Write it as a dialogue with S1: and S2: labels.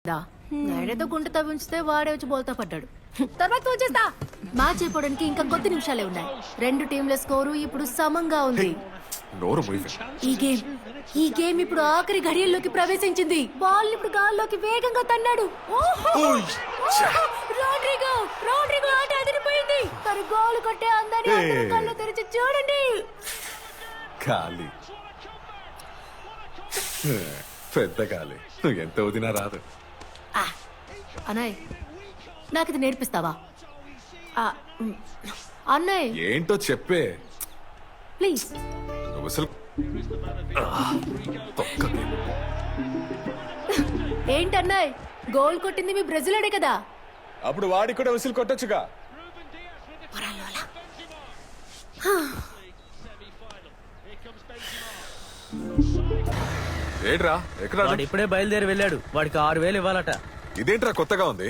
S1: గైడతో గుంట తవ్వించితే వాడే వచ్చి బోల్తా పడ్డాడు. తర్వాత వచ్చేస్తా. మ్యాచ్ అయిపోవడానికి ఇంకా కొద్ది నిమిషాలే ఉన్నాయి. రెండు టీంల స్కోరు ఇప్పుడు సమంగా ఉంది. ఈ గేమ్ ఇప్పుడు ఆఖరి ఘడియల్లోకి ప్రవేశించింది. బాల్ ఇప్పుడు గాల్లోకి వేగంగా తన్నాడు. రోడ్రిగో ఆట అదిరిపోయింది. తను గోల్ కొట్టే అందాన్ని అందరూ కళ్ళు తెరిచి చూడండి.
S2: ఖాళీ పెద్ద ఖాళీ నువ్వు ఎంత వదినా రాదు.
S1: అన్నయ్య నాకు ఇది నేర్పిస్తావా? అన్నయ్య
S2: ఏంటో చెప్పే.
S1: ప్లీజ్.
S2: నువ్వు అసలు
S1: ఏంటన్నయ్య గోల్ కొట్టింది మీ బ్రెజిలోడే కదా?
S2: అప్పుడు వాడికి కూడా విసిల్ కొట్టొచ్చుగా. ఏంట్రా ఎక్కడ
S3: వాడు ఇప్పుడే బయలుదేరి వెళ్ళాడు. వాడికి 6,000 ఇవ్వాలట.
S2: ఇదేంట్రా కొత్తగా ఉంది?